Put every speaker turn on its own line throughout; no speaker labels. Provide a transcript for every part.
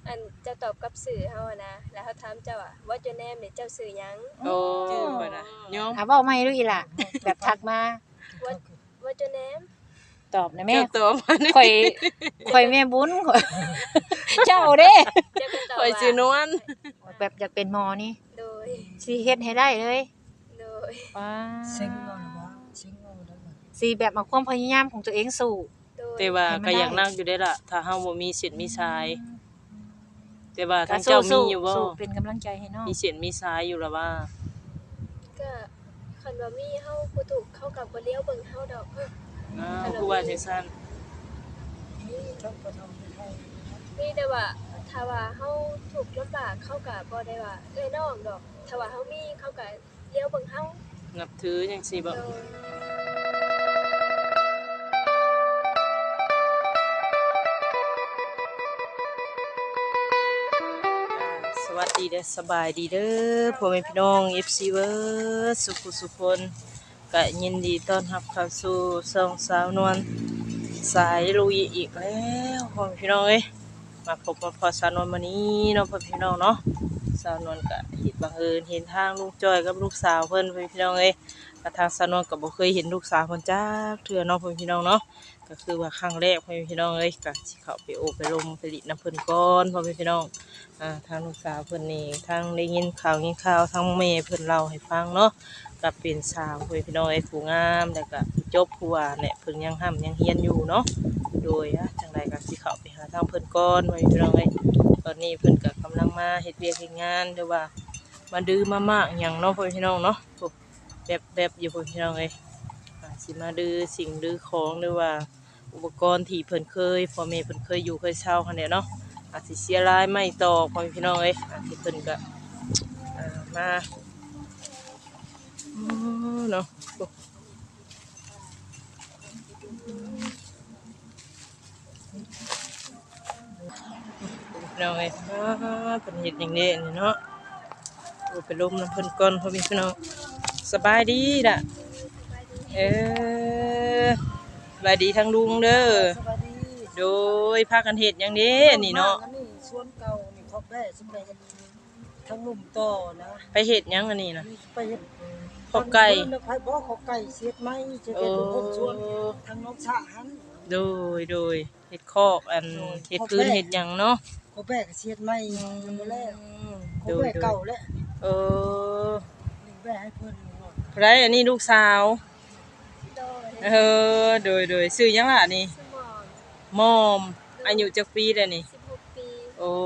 อันจะตอบกับสื่อเฮาอะนะแล้วเขาถามเจ้าว่า What your name นี่เจ้าชื่อหยัง
โอ้
ชื่อข่อยน่ะยอม
เว้าใหม่ดูอีหล่ะแบบทักมา
What your name
ตอบนะแม่
เจ้าตัวมันนี่
ข่อยแม่บุญข่อยเจ้าเด้
เจ้าก็ตอบ
ข่อย
ว่า
ชื่อนวล
แบบอยากเป็นหมอนี่
โดย
สิเฮ็ดให้ได้เลย
โดย
ว้า
เซ็งเอาหรือว่าเซ็งเอาได้บ่
สิแบบเอาความพยายามของตัวเองสู้
โดย
แต่ว่าก็อยากนั่งอยู่ได้ล่ะ ถ้าเฮาบ่มีเส้นมีสาย แต่ว่าทางเจ้ามีอยู่บ่
สู้เป็นกำลังใจให้น้อง
มีเส้นมีสายอยู่ล่ะว่า
ก็คันว่ามีเฮาผู้ถูกเข้ากับบ่เลี้ยวเบิ่งเฮาดอก
ผู้ว่าจังซั่น
นี่ทั้งประเทศไทย
มีแต่ว่าถ้าว่าเฮาถูกลำบากเขาก็บ่ได้ว่าเอ้ยน้องดอกถ้าว่าเฮามีเขาก็เลี้ยวเบิ่งเฮา
นับถือจังซี่บ่
โดย
สวัสดีเด้อสบายดีเด้อพ่อแม่พี่น้อง FC เบิดสุขสุขคนก็ยินดีต้อนรับเข้าสู่ช่องสาวนวลสายลุยอีกแล้วพ่อแม่พี่น้องเอ้ยมาพบมาพอสาวนวลมื้อนี้เนาะพ่อพี่น้องเนาะสาวนวลก็เห็นบังเอิญเห็นทางลูกจ้อยกับลูกสาวเพิ่นพ่อพี่น้องเอ้ยก็ทางสาวนวลก็บ่เคยเห็นลูกสาวเพิ่นจักเทื่อเนาะพ่อพี่น้องเนาะก็คือว่าครั้งแรกพ่อพี่น้องเอ้ยก็สิเข้าไปโอบไปลมไปลิดน้ำเพิ่นก่อนพ่อพี่น้อง ทางลูกสาวเพิ่นนี่ทางได้ยินข่าวทางแม่เพิ่นเล่าให้ฟังเนาะก็เป็นสาวเพิ่นพี่น้องไอ้ผู้งามแล้วก็จบผู้ว่าเนี่ยเพิ่นยังห้ำยังเฮียนอยู่เนาะโดยจังไดก็สิเข้าไปหาทางเพิ่นก่อนไว้พี่น้องเอ้ยตอนนี้เพิ่นก็กำลังมาเฮ็ดเวียกเฮ็ดงานหรือว่ามาดื้อมามากหยังเนาะพี่น้องเนาะโอ้แบบอยู่พี่น้องเอ้ยสิมาดื้อสิ่งดื้อของหรือว่าอุปกรณ์ที่เพิ่นเคยพ่อแม่เพิ่นเคยอยู่เคยเช่าคั่นแหละเนาะ อาจสิเสียรายไม่ต่อพ่อพี่น้องเอ้ยอาจสิเพิ่นก็มาเนาะพี่น้องเอ้ยเพิ่นเฮ็ดหยังเด้นี่เนาะโอ้ไปลมน้ำเพิ่นก่อนพ่อพี่น้องสบายดีล่ะเออสบายดีทั้งลุงเด้อ
สวัสดี
โดยพากันเฮ็ดหยังเด้นี่เนาะ
อันี่สวนเก่านี่เขาได้สำเร็จทั้งนุ่มต่อนะ
ไปเฮ็ดหยังอันนี้นะ
นี่ไปเฮ็ด
ขอบไก่
ไปบ่ขอบไก่เสียดไหมจะเป็นคนสวนทางน้องสะหัน
โดยเฮ็ดคอกอันเฮ็ดพื้นเฮ็ดหยังเนาะ
เขาแบกเสียดไหมยังบ่แล้วเขา
โด
แบ
ย
กเก่าแล้ว
เออ
นี่แบกให้เพิ่นเนาะ
ไรอันนี้ลูกสาว
โดย
โดยซื้อหยังล่ะนี่
สมอง
มอมอายุจักปีแล้วนี่
16 ปี
โอ้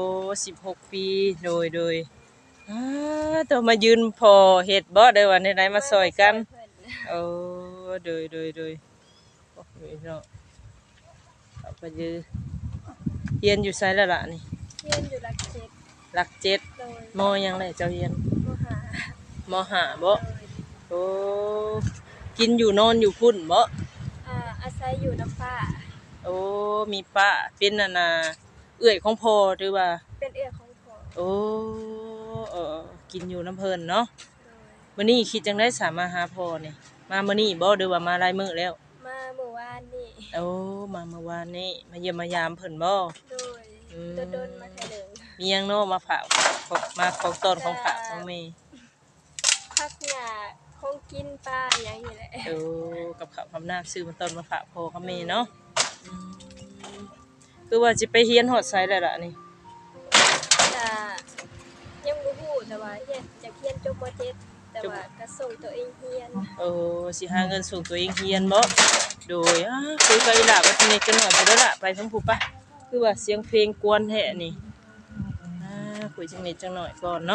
16 ปีโดยตัวมายืนพอเฮ็ดบ่ได้ว่าไหนๆมาซอยกันโอ้โดยโอ้ยเนาะเอาไปยือเรียนอยู่ไสแล้วล่ะนี่
เรียนอยู่หลักเจ็ด
หลักเจ็ด
โดย
มอยังได้เจ้าเรียน
มหาม
ห้าบ่
โดย
โอ้กินอยู่นอนอยู่พุ่นบ่
อาศัยอยู่น้ำป้า
โอ้มีป้าเป็นน่ะนะเอื้อยของพ่อหรือว่า
เป็นเอื้อของพ่อ
โอ้กินอยู่น้ำเพิ่นเนาะ
โดย
มื้อนี้คิดจังได๋สามารถหาพ่อนี่มามื้อนี้บ่หรือว่ามาหลายมื้อแล้ว
มาเมื่อวานนี่
โอ้มาเมื่อวานนี้มาเยี่ยมมายามเพิ่นบ่
โดย
อืม
โดนมาแค่หนึ่ง
มีหยังเนาะมาฝากมาของต้นของฝากของแม่
พักหญ้าคงกินปลาอย่างนี้แหละ
โอ้กับข้าวกับน้ำซื้อมาต้นมาฝากพ่อกับแม่เนาะอืมคือว่าสิไปเรียนฮอดไสแล้วล่ะนี่
จะยังบ่ฮู้แต่ว่าเฮ็ดจะเรียนจบม .7 แต่ว่าก็ส่งตัวเองเรียน
โอ้สิหาเงินส่งตัวเองเรียนบ่โดยคุยกับอีหล่าว่าสนิทกันหน่อยพุ่นเด้อล่ะไปทั้งผู้ปะคือว่าเสียงเพลงกวนแท้นี่คุยจังนิดจังหน่อยก่อนเนาะ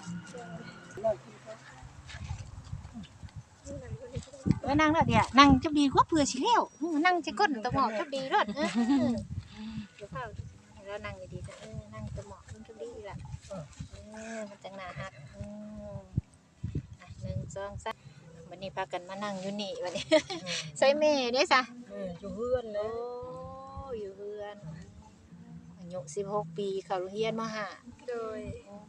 เออนั่งเด้อเดี๋ยวนั่งจับดีกว่าเผื่อสิแล้วนั่งจะก้นตะหมอกจับดีรอดเดี๋ยวเฝ้าแล้วนั่งดีๆนั่งตะหมอกจับดีล่ะมันจังน่าฮัก1 2 3วันนี้พากันมานั่งอยู่นี่วันนี้ใส่แม่เด้ซะ
อยู่เฮือนแล้
โอ้
ว
อยู่เฮือนอายุ16 ปีเข้าโรงเรียนมห้า
โดย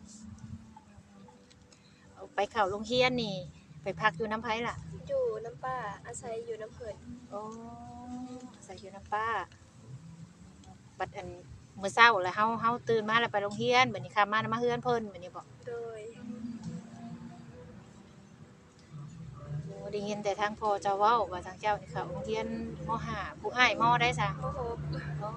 เอาไปเข้าโรงเรียนนี่ ไปพักอยู่น้ำไผล่ะ
อยู่น้ำป้าอาศัยอยู่น้ำเพิ่น
โอ้ใส่อยู่น้ำป้าบัดอันมื้อเช้าแล้วเฮาตื่นมาแล้วไปโรงเรียนบัดนี้ค่ำมาแล้วมาเฮือนเพิ่นบัดนี้บ่
โดย
โอ้ได้ยินแต่ทางพ่อเจ้าเว้าว่าทางเจ้านี่เข้าโรงเรียนมห้าผู้อ้ายมได้ซะ
โอ้โห
อ๋อ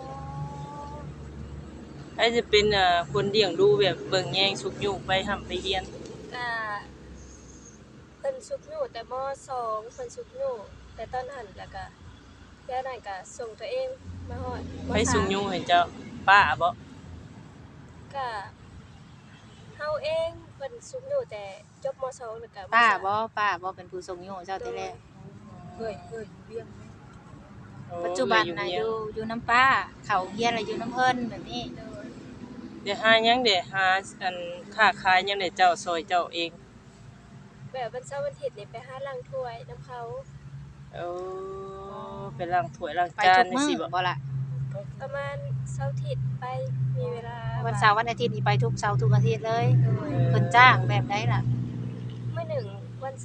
ไอ้จะเป็นคนเลี้ยงดูแบบเบิ่งแยงสุกยุกไปห่ำไปเรียน
ก็เพิ่นสุกอยู่แต่ม.2เพิ่นสุกอยู่แต่ตอนนั้นแล้วก็แค่นั้นก็ส่งตัวเองมาฮอดม.
ไปสุก
3
ยุกให้เจ้าป้าบ่
ก็เฮาเองเพิ่นสุกอยู่แต่จบม.2แล้วก็ม
ป้า
สม
บ่เป็นผู้ส่งอยู่เจ้าแต่แรก
เอ้ยเวียง
ปัจจุบันน่ะอยู่น้ำป้าเข้าโรงเรียนแล้วอยู่น้ำเพิ่นแบบนี้
โดย
เดี๋ยวหาหยังเดี๋ยวหาอันค้าขายหยังเดี๋ยวเจ้าซอยเจ้าเอง
แบบวันเสาร์วันอาทิตย์นี่ไปหาล้างถ้วยนํเขา
โอ้ไปล้างถ้วยล้าง
ไป
จา
ทุ
น
ก
นี่
มื้อ
สิบ่
บ่ล่ะ
ประมาณเสาร์อาทิตย์ไปมีเวลา
วันเสาร์วันอาทิตย์นี่ไปทุกเสาร์ทุกอาทิตย์เลย
โดย
เพิ่นจ้างแบบใดล่ะ
มื้อหนึ่งวัน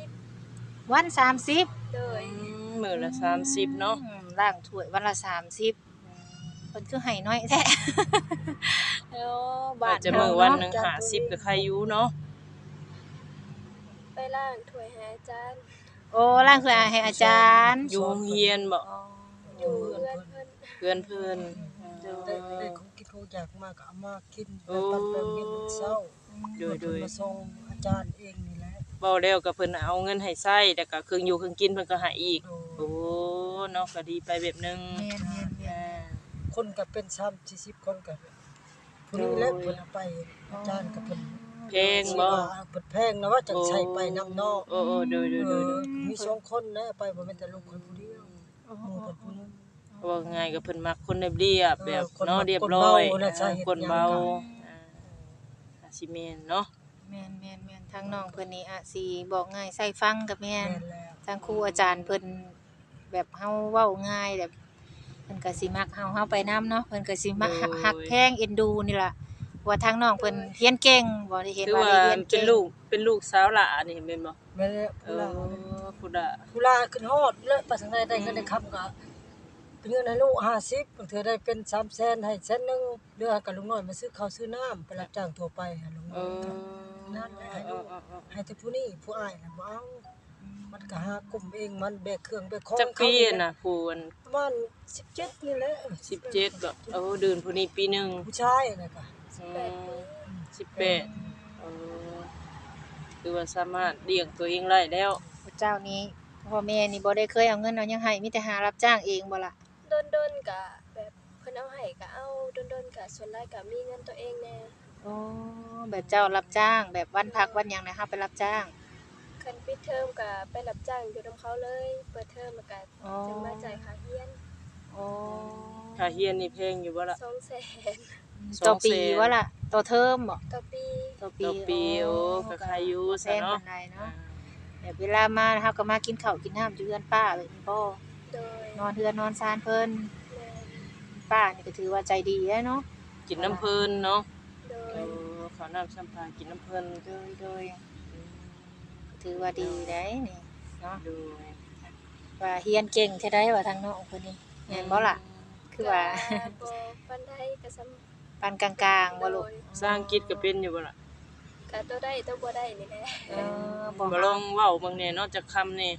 30
วัน30
โดย
มื้อละ30เนาะ
ล้างถ้วยวันละ30เพิ่นคือให้น้อยแท้ โอ้บ้า
อาจ
น
จะมื้อวันหนึง50ก็ใครอยู่เนาะ
ไปล้างถ้วยให้อาจารย์
โอ้ล้างถ้วยให้อาจารย์
อยู่โรงเรียนบ่
อ๋อ
อยู่เพื่อนเพิ่น
เพื่อนเพิ่น
ได้ของกินของอยากมากก็เอามากินไปปั่นไปเฮ็ดมื้อเช้า
โดย
เพิ่นมาส่งอาจารย์เองนี่แหละ
เว้าแล้วก็เพิ่นเอาเงินให้ใช้แล้วก็เครื่องอยู่เครื่องกินเพิ่นก็ให้อีก
โด
โอ้เนาะก็ดีไปแบบนึง
แม่นๆ
อ่า
คนก็เป็น30-40คนก็ผู้นี้แหละเพิ่นเอาไปอาจารย์ก็เพิ่น
เพลงบ่
เพิ่นแพงนะว่าจังใช้ไปนำนอก
โอ้โดย
มี2คนนะไปบ่แม่นแต่ลูกคนผู้เดียวหมู่เพิ่นผู้นึง
ว่าง่ายก็เพิ่นมักคนเรียบๆแบบ
คน
เนาะ
มัก
เรียบร้อย
คนเบาน่ะใช่เฮ็ด
คนเบา
หยังก็
อาสิแม่นเนาะ
แม่นทางน้องเพิ่นนี่อาจสิบอกง่ายใส่ฟังกับแม่น
แม่นแล้ว
ทางครูอาจารย์เพิ่นแบบเฮาเว้าง่ายแบบเพิ่นก็สิมักเฮาไปนํเนาะเพิ่นก็สิมักฮักแพงเอ็นดูนี่ล่ะว่าทางน้องเพิ่นเรียนเก่งบ่ได้เห็น
คือ
ว่า
ว่า
ได้เรียน
เป็
เก่
น
ง
ลูกสาวหล่านี่แม่นบ่
แม่นแล้ว
เออพุดะ
ผู้ลาขึ้นฮอดแล้วไปทางใดได้เงินได้คำก็เป็นเงินให้ลูก50บางเทื่อได้เป็น300,000ให้100,000นึงเหลือกับลุงน้อยมาซื้อข้าวซื้อน้ำไปรับจ้างทั่วไปให้ลุง
เอ
น้อย
อ
นั่นแหละให้ลูกให้แต่ผู้นี้ผู้อ้ายน่ะบ่เอามันก็หากลุ่มเองมันแบกเครื่องแบกของ
จักปีน่ะผู้อัน
ประมาณ17นี่แหละ
17บ่เออเดือนผู้นี้ปีหนึง
ผู้ชายน่ะก็
18เออคือว่าสามารถเลี้ยงตัวเองได้แล้ว
พระเจ้านี้พ่อแม่นี่บ่ได้เคยเอาเงินเอาหยังให้มีแต่หารับจ้างเองบ่ล่ะ
โดนๆก็แบบเพิ่นเอาให้ก็เอาโดนๆก็ส่วนหลายก็มีเงินตัวเองแน่
โอ้แบบเจ้ารับจ้าง แบบวันพักวันหยังนะเฮาไปรับจ้าง
คันปิดเทอมก็ไปรับจ้างอยู่นํเขาเลย เปิดเทอมแล้วก็
อ๋อ
จึงมาจ่ายค่าเรียน
โอ้
ค่าเรียนนี่แพงอยู่บ่ล่ะ
200,000
ต่อปีว่าล่ะต่อเทอมบ่
ต่อปี
ต่อ
ต่อปีโอ้ก็ใครอยู่
แพ
ซะ
ง
เนาะ
ปานใดเนาะแบบเวลามาเฮาก็มากินข้าวกินน้ำอยู่เรือนป้าแบบนี้บ่
โดย
นอนเรือนนอนซานเพิ่น
แม่
ป้านี่ก็ถือว่าใจดีแล้วเนาะ
กินน้ำเพิ่นเนาะ
โด
เอย อข้าวน้ำสัมภากินน้ำเพิ่น
โดยก็ถือว่าดีได้นี่เนาะ
ดู
ว่าเฮียนเก่งแท้ได้ว่าทางน้องคนนี้แม่นบ่ล่ะ คือว่า
ก็บ่ปานใดก็ซ้ำ
ปานกลางๆบ่ลูก
สร้างกิจก็เป็นอยู่บ่ล่ะ
ก็ตัวได้ตัวบ่ได้นี่แหละ
บ่
บ่ลองเว้าเบิ่งแหน่เนาะจักคำนี่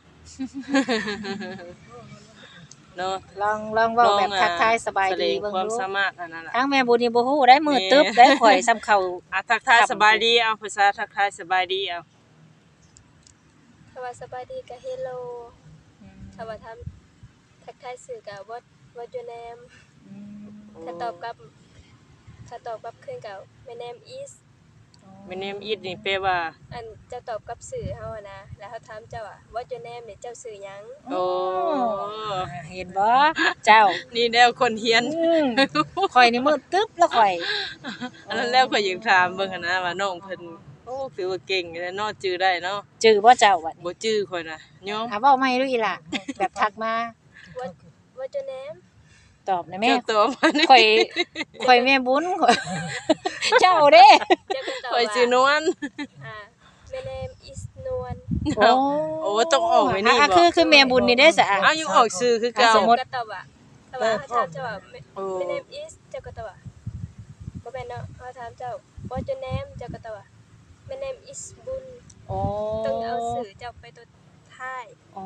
เนาะ
ลองเว้าแบบทักทายสบายดี
แสดง
เบิ่ง
ความ
ดู
สามารถอันนั้นล่ะ
ทางแม่บุญนี่บ่ฮู้ได้มือตึ๊บได้ข่อยซ้ำเข้า
ทักทายสบายดีเอาภาษาทักทายสบายดีเอา
ถ้าว่าสบายดีก็ hello ถ้าว่าทำทักทายสื่อก็ what your name ถ้าตอบกลับคืนก็ my name is
My name is นี่แปลว่า
อันจะตอบกับสื่อเฮาอะนะแล้วเฮาถามเจ้าว่า what your name นี่เจ้าชื่อหยัง
โอ้
เห็นบ่เจ้า
นี่แนวคนเฮียน
ข่อยนี่มือตึ๊บแล้วข่อย
อันนั้นแล้วก็อยากถามเบิ่งหั้นนะว่าน้องเพิ่นโอ้ถือว่าเก่งอยู่แล้วเนาะจื้อได้เนาะ
จื้อบ่เจ้าบัดนี้
บ่จื้อข่อยน่ะยอม
เว้าใหม่ดูอีหล่ะแบบทักมา
what your name
ตอบนะแม่
เจ้าตัวมัน
ข่อยแม่บุญข่อยเจ้าเด้
เจ้าก็ตอบ
ข่อย
ว่า
ชื่อนวล
my name is นวล
โอ้ต้องออกไว้นี่บ่
คือแม่บุญนี่ได้ซะ
อ้าวอยู่ออกชื่อคือเก่า
สมมุติ
ก็ตอบว่าถ้าว่าเขาถามเจ้าว่า
โอ้
my name is เจ้าก็ตอบว่าบ่แม่นเนาะเขาถามเจ้า what your name เจ้าก็ตอบว่า my name is บุญ
โอ้
ต้องเอาชื่อเจ้าไปตัวท้าย
โอ้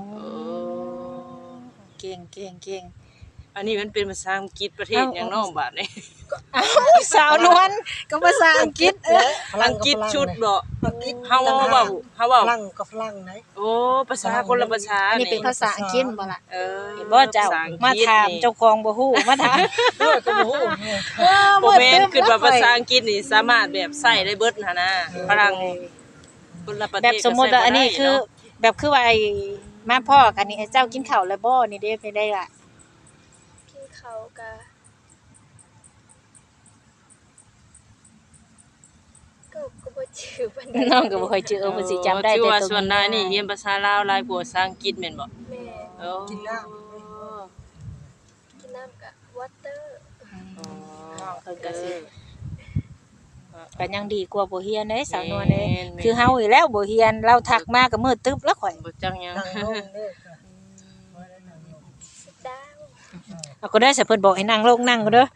เก่ง
อันนี้มันเป็นภาษาอังกฤษประเทศหยังเนาะบาดนี้
สาวนวลก็ภาษาอังกฤษ
อังกฤษชุดบ่
อังกฤษ
เฮาเว้า
ฝรั่งกับฝรั่งไหน
โอ้ภาษาคนละภาษา
อันนี้เป็นภาษาอังกฤษบ่ล่ะ
เออ
เห็นบ่เจ้า
ภษอังกฤษ
มาถาม
นี่
เจ้าของบ่ฮู้มาถาม
ด้วยก็บ่ฮู้เนี่ย
บ่แม่นคือว่าภาษาอังกฤษนี่สามารถแบบใช้ได้เบิดหั่นนะฝรั่งคนละประเทศ
แบบสมมุติว่าอันนี้คือ แบบคือว่าไอ้มาพ่อกันนี่ไอ้เจ้ากินข้าวแล้วบ่นี่เด้ไปได้ล่ะ
กินข้าวก็บ่ชื่อปานใด
น้องก็บ่ค่อยเจอเพิ่นสิจำได้
ชื่อ
แต่
ว่า
ตัว
ส่วนนายนี่เรียนภาษาลาวหลายกว่าภาษาอังกฤษแม่นบ่
แม่
โอ้
กินน้
กินน้ำก็ water
น้องเพิ่นก็สิก็ยังดีกว่าบ่เฮียนเด้สาวนวลเด้
แม่น
คือเฮาอีกแล้วบ่เฮียนเราทักมาก็มืดตึ๊บแล้วข่อย
บ่จังหยัง
นั่งลงเด้อค่ะบ่ได้นั่งลง
sit down
เอาก็ได้สิเพิ่นบอกให้นั่งลงนั่งก็เด้อ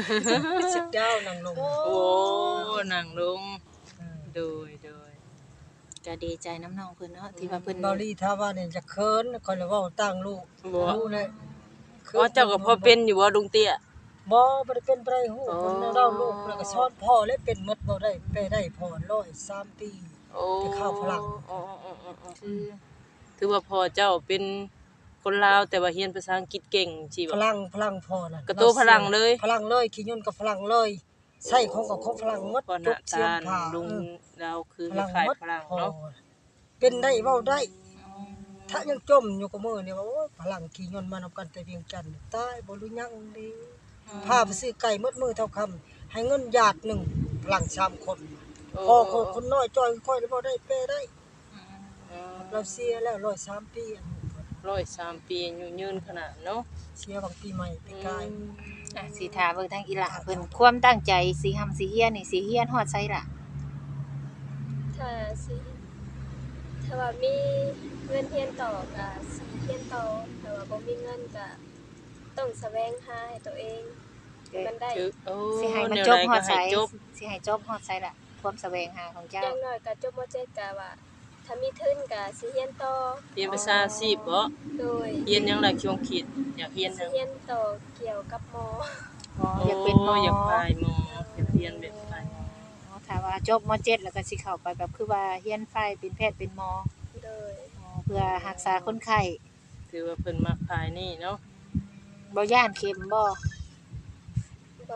sit down นั่งลง
โอ้นั่งลง
อืม
โดย
ก็ดีใจน้ำน้องเพิ่นเนาะที่ว่าเพิ่น
เบาลีถ้าว่าเนี่ยจะเคินคอยเลยเว้าตั้งลูก
บ่
รู้เลย
อ๋อเจ้าก็พอเป็นอยู่บ่ลุงเตี้ย
บ่ได้เป็นไปฮู้
อ๋อ
คนเราลูกแล้วก็สอนพ่อเลยเป็นหมดบ่ได้ไปได้พ่อ103ปี
โอ้
ไปเข้าฝรั่ง
อ๋อๆ
คือ
ๆถือว่าพ่อเจ้าเป็นคนลาวแต่ว่าเรียนภาษาอังกฤษเก่งสิ
ฝ
บ่
รั่งพ่อน่ะ
กระโตฝรั่งเลย
ฝรั่งเลยขี้ยุ่นกับฝรั่งเลยใส่ของกับของฝรั่งหมด
พ่อห
ทุ
น้าก
เสีย
ตาง
ผ้า
ลุง
เออ
เราคือ
ฝรั่ง
คล้าย
หมด
ฝรั่ง
พ่อ
เนาะ
เป็นได้เว้าได้ ถ้ายังจมอยู่กับมือเนี่ยว่าโอ้ยฝรั่งขี้ยุ่นมานำกันแต่เวียงจันทน์ตายบ่รู้ยังดีพาไปซื้อไก่หมดมือเท่าคำให้เงินหยาดหนึ่งฝรั่ง3คนพ่อคนน้อยจอยค่อยแล้วบ่ได้เปได้ เราเสียแล้ว103ปีอันนี้
103ปีอายุยืนขนาดเนาะ
เสียบางปีใหม่ปีกาย
อ่ะสิถามเบิ่งทางอีหล่ะเพิ่นความตั้งใจสิทำสิเฮียนนี่สิเฮียนฮอดไสล่ะ
ถ้าสิถ้าว่ามีเงินเรียนต่อก็สิเรียนต่อถ้าว่าบ่มีเงินก็ต้องแสวงหาให้ตัวเองให้มันได้
คือโอ้
สิให้มัน
แว
จบ
ใ
ฮอดไส
ก็ให้จบ
สิให้จบฮอดไสล่ะความแสวงหาของเจ้า
อย่างน้อยก็จบม .7 ก็ว่า ถ้ามีทุนก็สิเรียนต่อ
เรียนภาษาอาชีพบ่
โดย
เรียนหยังล่ะช่วงคิดอยากเรียนห
สิ
ยัง
เรียนต่อเกี่ยวกับหมอ
อยากเป็นหมอ
อยากพายหมออยากเรียนแบบพายหมอ
ถ้าว่าจบม .7 แล้วก็สิเข้าไปแบบคือว่าเฮียนไฟเป็นแพทย์เป็นหมอ
โดย
เพื่อรักษาคนไข้
ถือว่าเพิ่นมักพายนี่เนาะ
บ่ย่านเข็มบ่
บ่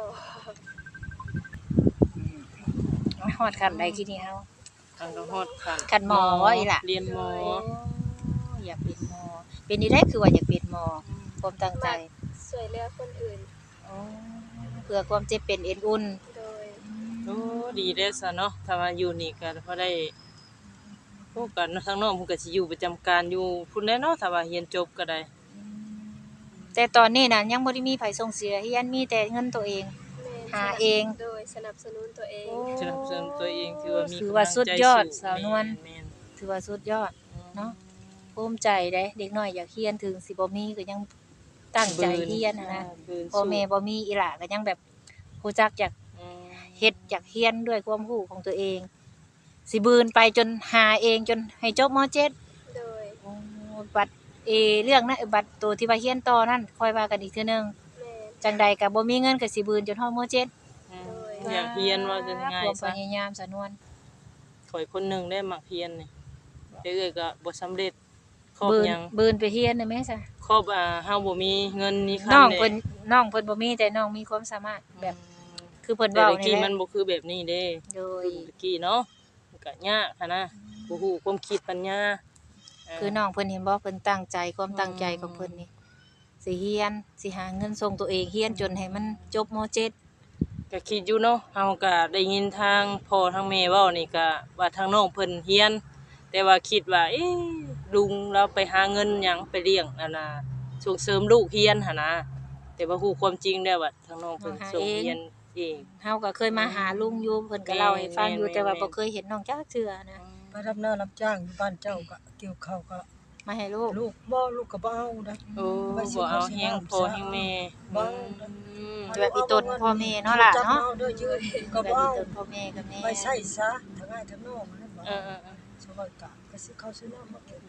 ฮอดขั้นใดทีนี้เฮา
ทางก็ฮอดคัน
คันหมอว่าอีหล่ะ
เรียนหมอ
อยากเป็นหมอเป็นนี่ได้คือว่าอยากเป็นหมอความตั้งใจ
ช่วยเหลือคนอื่น
เพื่อความเจ็บเป็นเอ็นอุ่น
โดย
โอ้ดีเด้อซะเนาะถ้าว่าอยู่นี่ก็พอได้โอ้กันทางน้องเพิ่นก็สิอยู่ประจำการอยู่พุ่นแน่เนาะถ้าว่าเรียนจบก็ได้
แต่ตอนนี้น่ะยังบ่ได้มีไผส่งเสียเฮียนมีแต่เงินตัวเอง
แม่น
หาเอง
โดยสนับสนุนตัวเอง
สนับสนุนตัวเองถือว่ามี
ถือว่าสุดยอด
กำลังใจ
สาวนวล
แม่น
ถือว่าสุดยอด
ๆ
เนาะภูมิใจเด้เด็กน้อยอยากเฮียนถึงสิบ่มีก็ยังตั้งใจเฮียนนะ
บืน
พ่อแม่บ่มีอีหล่าก็ยังแบบรู้จักอยาก
อืม
เฮ็ดอยากเฮียนด้วยความรู้ของตัวเอง สิบืนไปจนหาเองจนให้จบม .7
โดย
บัตรเรื่องนั้นบัตรตัวที่ว่าเฮียนต่อนั่นค่อยว่ากันอีกเทื่อนึง
แม่น
จังใดก็บ่มีเงินก็สิบืนจนฮอดม .7
อืมอยากเรียนว่าจะง่าย
ความ
ซะ
พยายามสะนวน
ข่อยคนหนึงได้มักเรียนนี่แต่เอ้อยก็บ่สำเร็จครอบ
บืน
หยัง
บืนไปเฮียนได้แม่ซะ
ครอบเฮาบ่มีเงินมีคำ
น้อง
ด้
เพิ่นน้องเพิ่นบ่มีแต่น้องมีความสามารถแบบคือเพิ่น
แต่
เว้า
ตะ
นี่
กี้
แหละ
มันบ่คือแบบนี้เด้
โดย
ตะกี้เนาะมันก็ยากหันนะบ่ฮู้ความคิดปัญญา
คือน้องเพิ่นเห็นบ่เพิ่นตั้งใจความตั้งใจของเพิ่นนี่สิเฮียนสิหาเงินส่งตัวเองเฮียนจนให้มันจบม .7
ก็คิดอยู่เนาะเฮาก็ได้ยินทางพ่อทางแม่เว้านี่ก็ว่าทางน้องเพิ่นเฮียน แต่ว่าคิดว่าเอ๊ะลุงเราไปหาเงินหยังไปเลี้ยงนั่นน่ะส่งเสริมลูกเฮียนหั่นนะแต่ว่าฮู้ความจริงแล้วว่าทางน้องเพิ่นส่งเฮียนเอง
เฮาก็เคยมาหาลุงอยู่เพิ่นก็เล่าให้ฟังอยู่
แม่นๆ
แต่ว่าบ่เคยเห็นน้องจักเทื่อนะ
ไปรับหน้ารับจ้างอยู่บ้านเจ้าก็เกี่ยวข้าวก็
มาให้ลูก
ลูกก็บ่เอานะ
โอ้บ่เอาแฮงพ่อแฮงแม่
บ่เอา
แบบอีตนพ่อแม่เนาะล่ะเนาะ
จับอเด้อยืนก็
แบบ
บ่
อี
เอา
ตนพ่อแม่กับแม่
ไปใช้ซะทั้งง่ายทั้งนอกนั่นบ่
เออ
สบายกะไปซื้อข้าวซื้อน้ำมากิน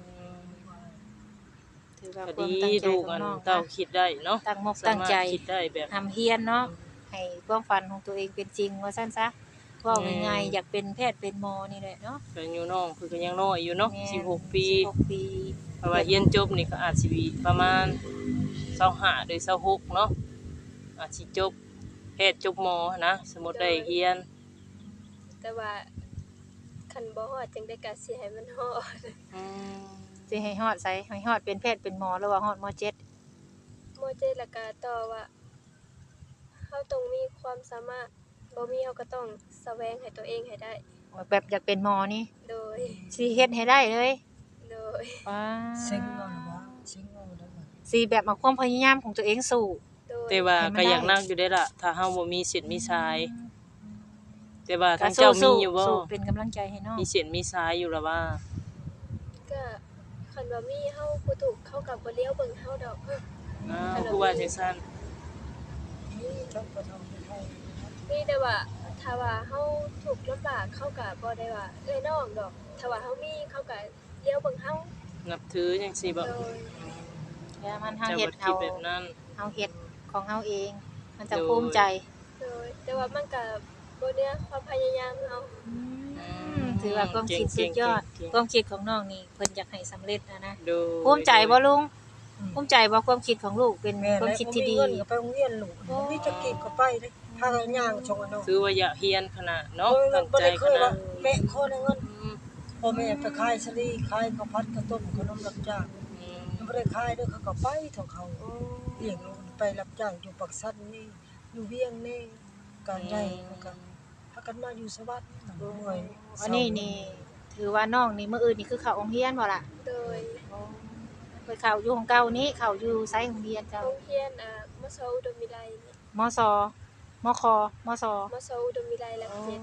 ถือว่า
ก็
ความ
ดี
ตั้งใจ
ลูก
ของ
อัน
น้อง
เต้าคิดได้เนาะ
ตั้งมกตั้งใจ
สามารถคิดได้แบบ
ทำเฮียนเนาะให้ความฝันของตัวเองเป็นจริงว่าซั่นซะเว้าง่ายๆอยากเป็นแพทย์เป็นหมอนี่แหละเนาะ
ก็อยู่น้องเพิ่นก็ยังน้อยอยู่เนาะ
แม่น
16 ปี
16 ปี
เพราะว่าเรียนจบนี่ก็อาจสิประมาณ25หรือ26เนาะอาจสิจบแพทย์จบหมอนะสมมุติได้เรียน
แต่ว่าคันบ่ฮอดจังได้ก็สิให้มันฮอด
อืม
สิให้ฮอดไสให้ฮอดเป็นแพทย์เป็นหมอหรือว่าฮอดม .7
โมเจแล้วก็ต่อว่าเฮาต้องมีความสามารถบ่มีเฮาก็ต้องแสวงให้ตัวเองให้ได้
แบบอยากเป็นหมอนี่
โดย
สิเฮ็ดให้ได้เลย
โดย
ว้า
เซ็งเอาล่ะว่าเซ็งเอาแล้วว่า
สิแบบเอาความพยายามของตัวเองสู้
โดย
แต่ว่า
ให้มัน
ก็อยาก
ได้
นั่งอยู่ได้ล่ะ ถ้าเฮาบ่มีสิทธิ์มีสาย แต่ว่า
ก็
ทางเจ้ามี
สู้
อยู่บ่
สู้เป็นกำลังใจให้น้อง
มีสิทธิ์มีสายอยู่ล่ะว่า
ก็คันว่ามีเฮาผู้ถูกเข้ากับบ่เลี้ยวเบิ่งเฮาดอก
อ้าวคือว่าจังซั่น
นี่จังบ่ทำให้ให้
มีแต่ว่าถ้าว่าเฮาถูกข์ลำบากเขาก็บ่ได้ว่าเอ้ยน้องดอกถ้าว่าเฮามีเขาก็เลี้ยวเบิ่งเฮา
นับถือจังซี่บ่
โดย
แล้วมันเฮา
เจ้า
เฮ็ด
บ่คิ
เอา
ดแบบนั้น
เฮาเฮ็ดของเฮาเอง มันจะ
โดย
ภูมิใจ
โดยแต่ว่ามันก็บ่เหนือความพยายามเฮา
ถือว่าความคิดสุดยอด
เก่งๆ
ความคิดของน้องนี่เพิ่นอยากให้สำเร็จนะ
โดย
ภูมิใจบ่ลุงภูมิใจบ่ความคิดของลูกเป็น
แม่
ความคิดที่ดี
เงินก็ไปโรงเรียนลูกมีจะกินก็ไปเด้พากันย่างชงอันเนาะ
ถือว่าอยากเรียนขนาดเนาะ
บ่
ตั้งใจ
ได้เค
ข
ย
นา
ว่า
ด
แม่ขอได้เงิน
อืม
พ่อแม่ไปขายสลีขายข้าวผัดข้าวต้มขนมรับจ้าง
อืม
ยังบ่ได้ขายเด้อเขาก็ไปเท่าเขาเลี้ยงลูกไปรับจ้างอยู่ปักสันนี่อยู่เวียงนี่การใหญ่มันก็พากันมาอยู่สวัสดิ์เมื่อย
อันนี้นี่ถือว่าน้องนี่มื้ออื่นนี่คือเข้าโรงเรียนบ่ล่ะ
โดย
ไปเข้าอยู่ของเก่านี้เข้าอยู่ไสโรงเรียนเจ้า
โรงเรียนมสอุดมวิไลนี่
มสมคมส
มสอุดมวิไลหลักเจ็ด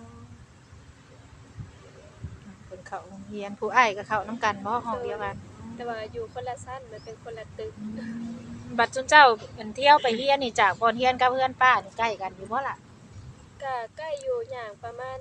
เพิ่นเข้าโรงเรียนผู้อ้ายก็เข้านํกันบ่ห้องเดียวกัน
แต่ว่าอยู่คนละชั้นมันเป็นคนละตึก
บัดจุนเจ้าเป็นเที่ยวไปเรียนนี่จากบ่อนเรียนกับเพื่อนป้านี่ใกล้กันอยู่บ่ล่ะ
ก็ใกล้อยู่อย่างประมาณ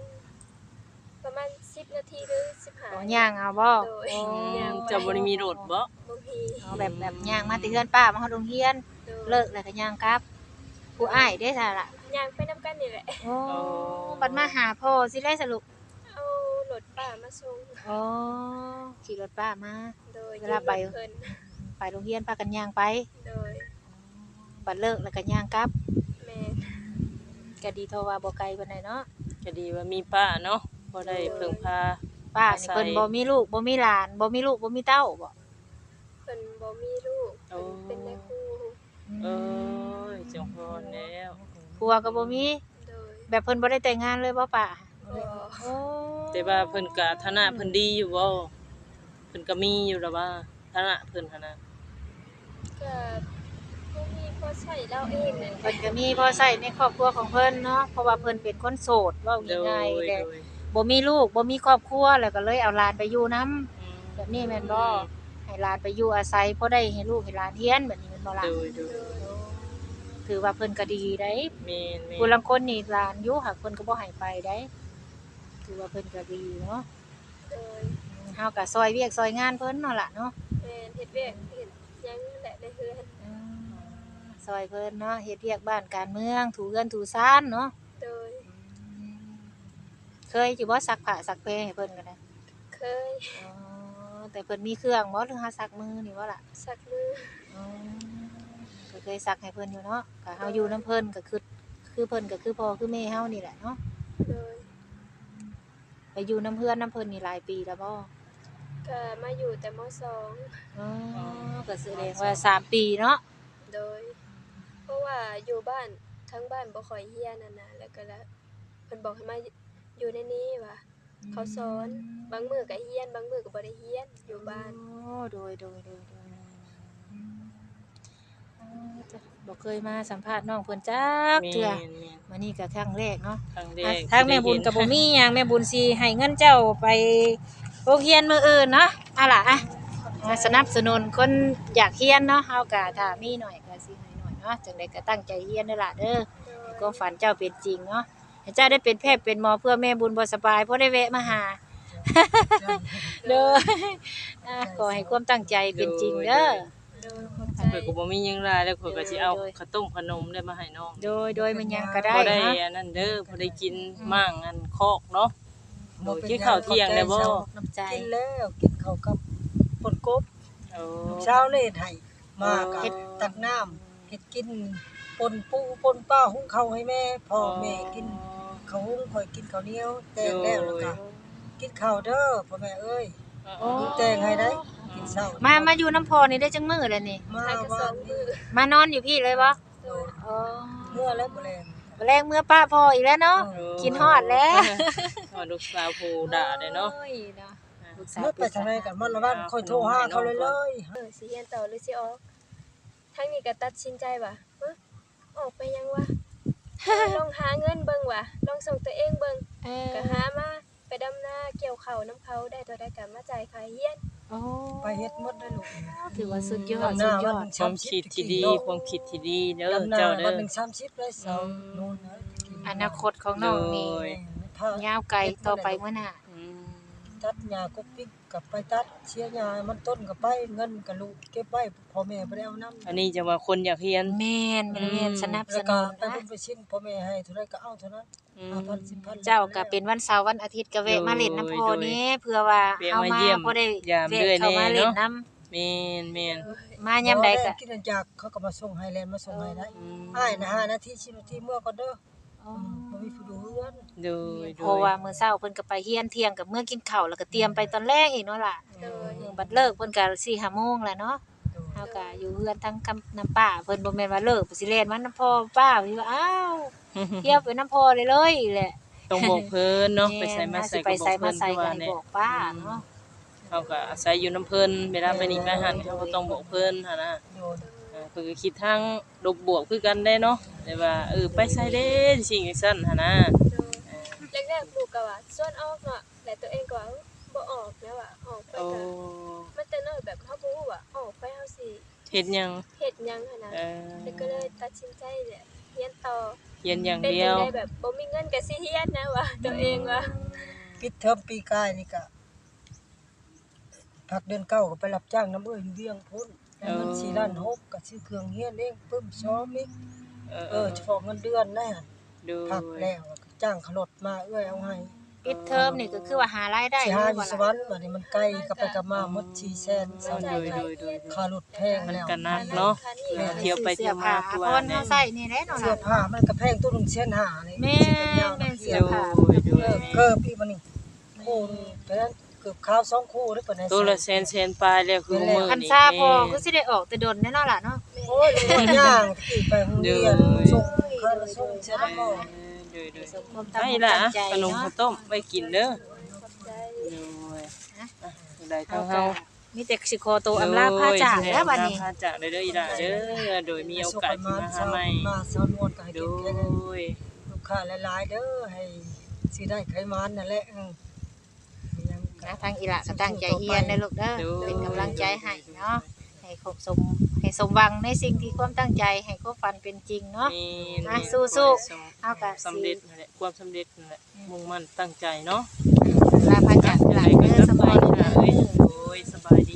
10 นาทีหรือ
อ๋อ
15
ย่างเอาบ่
โดย
โอ้
ย่าง
เจ้าบ่ได้มีรถบ่
บ่มี
เอาแบบย่างมาแต่เพื่อนป้ามาเฮาโรงเรียน
โดย
เลิกแล้วก็ย่างกลับ ผู้อ้ายได้ซะล่ะ
ย่างไปนํกันนี่แหละ
โอ้บัดมาหาพ่อสิได้สรุป
เอารถป้ามาส่ง
อ๋อขี่รถป้ามา
โดย
เวลาไป
เพิ่น
ไปโรงเรียนพากันย่างไป
โดย
บัดเลิกแล้วก็ย่างกลับ
แม่
ก็ดีเท่าว่าบ่ไกลปานใดเนาะ
ก็ดีว่ามีป้าเนาะบ่ได้พึ่งพา
ป้านี่เพิ่นบ่มีลูกบ่มีหลานบ่มีลูกบ่มีเต้าบ่
เพิ่นบ่มีลูกเพิ่นเป็นแม่ครู
เอ้ยจงพรแล้ว
ผัวก็บ่มี
โดย
แบบเพิ่นบ่ได้แต่งงานเลยบ่ป้า
บ่
โอ้
แต่ว่าเพิ่นก็ฐานะเพิ่นดีอยู่บ่เพิ่นก็มีอยู่แล้วว่าฐานะเพิ่นหั่นน่ะ
ก็บ่มีพอใช้เราเองนั่นแห
เพิ่
ละ
นก็มีพอใช้ในครอบครัวของเพิ่นเนาะเพราะว่าเพิ่นเป็นคนโสดเว้า
โดย
ง่ายๆ
โด
แต่
ย
บ่มีลูกบ่มีครอบครัวแล้วก็เลยเอาหลานไปอยู่นํแบบนี้แม่นบ่ให้หลานไปอยู่อาศัยพอได้ให้ลูกให้หลานเรียนแบบนี้แม่นบ่ล่ะ
โดยโดย
ถือว่าเพิ่นก็ดีได้
แม่น
ผู้ลางคนนี่หลานอยู่หากเพิ่นก็บ่ให้ไปได้ถือว่าเพิ่นก็ดีเนาะ
โดย
เฮาก็ซอยเวียกซอยงานเพิ่นเนาะล่ะเนาะ
แม่นเฮ็ดเวียกเฮ็ดหยังนั่นแหละในเฮือน
ซอยเพิ่นเนาะเฮ็ดเวียกบ้านการเมืองถูเรือนถูซ่านเนาะ
โดย
เคยสิบ่ซักผ้าซักแพรให้เพิ่นก็ได้
เคย
อ๋อแต่เพิ่นมีเครื่องบ่หรือหาซักมือนี่บ่ล่ะ
สักมือ
อ๋อก็เคยซักให้เพิ่นอยู่เนาะก็เฮาอยู่นํเพิ่นก็คือเพิ่นก็คือพ่อคือแม่เฮานี่แหละเนาะ
โดย
ไปอยู่นํเพื่อนนํเพิ่นนี่หลายปีแล้วบ่
ก็มาอยู่แต่มสอง
อ๋อก็แสดงว่า3ปีเนาะ
โดย เพราะว่าอยู่บ้านทั้งบ้านบ่ค่อยเฮียนนั่นน่ะแล้วก็แล้วเพิ่นบอกให้มาอยู่ในนี้ว่าเขาสอนบางมื้อก็เฮียนบางมื้อก็บ่ได้เฮียนอยู่บ้าน
โอ้โดยบ่เคยมาสัมภาษณ์น้องเพิ่นจัก
แม่
เทื่อน มื้อนี้ก็ครั้งแรกเนาะ
ครั้งแร
อ่ะ
ก
ทางแม่บุญก็บ่มีหยังแม่บุญสิให้เงินเจ้าไปโรงเรียนมื้ออื่นเนาะอะล่ะอ่ะมาสนับสนุนคนอยากเรียนเนาะเฮาก็ถ้ามีหน่อยก็สิให้หน่อยเนาะจังได๋ก็ตั้งใจเรียนเด้อล่ะเด้อให้ความฝันเจ้าเป็นจริงเนาะให้เจ้าได้เป็นแพทย์เป็นหมอเพื่อแม่บุญบ่สบายเพราะได้แวะมาหา เด้อขอให้ความตั้งใจเป็นจริงเด้อ
ข่อยก็บ่มีหยังหลายแล้วข่อยก็สิเอาข้าวต้มขนมได้มาให้น้อง
โดยมันยังก็ได้
บ่ได้
เนาะ
อันนั้นเด้อบ่ได้กินมั่งอันคอกเนาะโดยกินข้าวเที่ยงได้บ่
น้ำใจ
กินแล้วกินข้าวกับปนกบ
โอ้
เช้าเลยให้มาก็เฮ็ดตักน้ำเฮ็ดกินปนปูปนป้าหุงข้าวให้แม่พ่อแม่กินข้าวหุงข่อยกินข้าวเหนียวแตงแล้วแล้วก็กินข้าวเด้อพ่อแม่เอ้ยหุงแตงให้ได้กินเช้า
มาอยู่น้ำพอนี่ได้จังมื้อแล้วนี่
มา
ทางกระส
วั
อน งมื
นี้
อ
มานอนอยู่พี่เลยบ่
โดย
อ๋อ
เมื่อแล้วบ่แลง
แรงเมื่อป้าพออีกแล้วเนาะกินฮอดแล้ว
ฮอดลูกสาวผู้ด่าได้เนาะ
โอ้ยเนาะลูกสาว
เมื่อไปทางไหนกันมันละวันค่อยโทรหาเขาเลย
สิเรียนต่อหรือสิออกทางนี้ก็ตัดสินใจว่าออกไปยังวะลองหาเงินเบิ่งว่ะลองส่งตัวเองเบิ่ง
เออ
ก็หามาไปดำนาเกี่ยวข้าวน้ำเขาได้ตัวได้ก็มาจ่ายค่าเรียน
โอ้
ไปเฮ็ดหมดได้ลูก
ถือว่าสุดยอด
ดำ
สุ
นา
ดย
วั
อน ด
หนึ่ง
ความคิดที่ดีความคิดที่ดีเด้อ
ดำนา
เจ้า
วั
เด้
น
อ
หนึ่ง30ได้เสาโน่นนะ
อนาคตของน้องนี่
โดย
ยาวไกลต่อไปมื้อหน้า
อืม
ตัดหญ้ากุ๊กปิ๊กกับไปตัดเชียร์หญ้ามันต้นกับไปเงินกับลูกเก็บไว้พ่อแม่บ่ได้เอานำ
อันนี้จะว่าคนอยากเรียน
แม่นแม่นสนับส
แล้วก็
นุน
ไป
นะ
บุญไปชิ้นพ่อแม่ให้เท่าไรก็เอาเท่านั้น
อืม
5,000 10,000
เจ้าก็เป็นวันเสาร์วันอาทิตย์ก็แวะมาเล่นน้ำพอนี้เพื่อว่า
แวะ
เฮา
มา
มา
เยี่ยม
บ่ได้
ยาม
แวะ
เรื่อย
เข้ามา
แน่
เล่น
เนาะ
น้
แม่นแม่น
ำมายามใดก็
กินอันจากเขาก็มาส่งให้แลนด์มาส่งให้ได้
อืม
อ้ายนะ5นาที10นาทีเมื่อก่อนเด้อ
อ๋อ
บ่มีผู้ดูเฮือน
โดยโด
เพราะ
ย
ว่ามื้อเช้าเพิ่นก็ไปเฮียนเที่ยงกับมื้อกินข้าวแล้วก็เตรียมไปตอนแรกอีกเนาะล่ะ
โดย
บัดเลิกเพิ่นก็4 5โมงแล้วเนาะเฮาก็อยู่เฮือนทั้งคำน้ำป้าเพิ่นบ่แม่นว่าเลิกสิเล่นมันน้ำพ่อป้าสิว่าอ้าวเที่ยวไปน้ำพ่อเลยแหละ
ต้องบอกเพิ่นเนาะไปใส่มาใส่
ไป
ก็บอ
ใส่
ก
มา
เพิ่น
ใส่
คือ
ก็
ว่า
ให้
แน่
บอกป้าเนาะ
เฮาก็อาศัยอยู่น้ำเพิ่นเวลาไปนี่ไปหันเฮาก็ต้องบอกเพิ่นหั่นน่ะ
โดน
เพิ่นก็คิดทางลบบวกคือกันได้เนาะแต่ว่าไปใส่เด้สิ่งจังซั่นหั่นน่ะ
โดยแรกๆลูกก็ว่าส่วนออกเนาะแต่ตัวเองก็ว่าบ่ออกแล้วออกไป
โอ้
ก็มันแต่น้อยแบบเฮาบ่ฮู้ว่าออกไปเฮาสิ
เฮ็ดหยัง
เฮ็ดหยังหั่นน่ะ
เออ
แล้วก็เลยตัดสินใจเนี่ยเรียนต่อ
เรียนอย่าง
เป็น
เดี
จั
ยว
งได๋แบบบ่มีเงินก็สิเรียนนะว่าตัวเองว่า
ปิดเทอมปีกายนี่ก็พักเดือน9ก็ไปรับจ้างน้ำอยู่เวียงพุ่นได้เงิน4ล้าน6ก็ซื้อเครื่องเฮียนเองปึ้มซ้อมอีกเฉพาะเงินเดือนนะ
ดู
พักแล้วก็จ้างเขารถมาเอาให้
ปิดเทอมนี่ก็คือว่าหารายได้
สิ
อยู่
หาอ
บ่
ยู่ส
ล่ะ
วรรค์บัดนี้มันไกลกลับไปกลับมาหมด400,000
จ่ายค่าเรียน
ค่ารถแพง
มัน
แล้ว
ก็นักเนาะเที่ยวไปเที่ยวมาคือ
พ
ว่าร
เฮา
แน่
ใส่นี่แหละเนาะ
เสื้อ
ล่ะ
ผ้ามันก็แพงตัวหนึง1,500นี่
แม่
สิเป็นยาว
แม่
นะ
เสื้
เสื้
อ
อ
ผ้า
ดู
เกิบพี่มันนี่คู่เพราะฉะนั้นเกือบข้าว2คู่ได้ปานใด
ตัวละแสนปลายแล้วคือมื้อ
คัน
นี้
ซาพอคือสิได้ออกแต่ดนแน่เนาะล่ะเนาะ
โอ้ยย่างตะกี้ไปโรงเรียนส่งข้าวส่งเสร็จแล้วก็
ดู
สมความตั้ง
ให้
ใจ
ล่ะ
ใจ
ขนม
เนาะ
ข้าวต้มไว้กินเด้อ
ขอบใจ
ดูได้ทั้งเฮา
มีแต่สิขอตัวอำลาพาจากแล้วบัดนี้
พาจากได้เด้ออีหล่าเด้อโดยมีโอกาสที่มาหาใหม่
มาสอนวนก็ให้
โด
กินแค่นั้น
ย
ลูกค้าหลายๆเด้อให้สิได้ไขมันนั่นแหละยัง
นะทางอีหละก็ตั้งใจเรียนเด้อลูกเด้อเป็นกำลังใจให้เนาะให้ครบสมให้สมหวังในสิ่งที่ความตั้งใจให้ความฝันเป็นจริงเนาะ
นี่
สู้ๆเอากะ
สำเร็จนั่นแหละความสำเร็จนั่นแหละมุ่งมั่นตั้งใจเนาะ
ลาพาจากหลานเด้อสบายดี
ค่ะ
เด้
เอ้ย
อ
โอ้ยสบายดี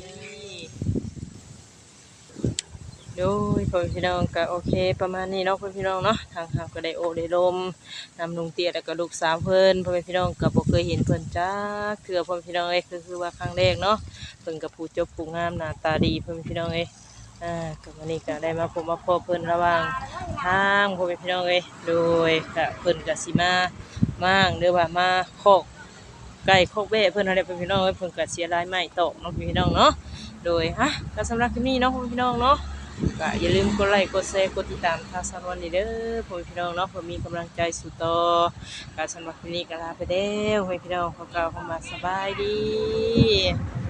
โดยพ่อพี่น้องก็โอเคประมาณนี้เนาะพ่อพี่น้องเนาะทางเฮาก็ได้โอได้ลมนำลุงเตี้ยแล้วก็ลูกสาวเพิ่นพ่อพี่น้องก็บ่เคยเห็นเพิ่นจักเทื่อพ่อพี่น้องเอ้ยคือว่าครั้งแรกเนาะเพิ่นก็ผู้จบผู้งามหน้าตาดีพ่อพี่น้องเอ้ยก็วันนี้ก็ได้มาพบมาพบเพิ่นระหว่างทางพ่อพี่น้องเอ้ยโดยก็เพิ่นก็สิมามั่างหรือว่ามาคอกไก่คอกแบะเพิ่นอะไรพ่อพี่น้องเอ้ยเพิ่นก็เสียรายไม้ตอกเนาะพี่น้องเนาะโดยก็สำหรับคลิปนี้เนาะพ่อพี่น้องเนาะก็อย่าลืมกดไลค์กดแชร์กดติดตามทางสารวันนี่เด้อพ่อพี่น้องเนาะเพื่อมีกำลังใจสู่ต่อก็สำหรับคลิปนี้ก็ลาไปแล้วพ่อพี่น้องขอกล่าวคำว่าสบายดี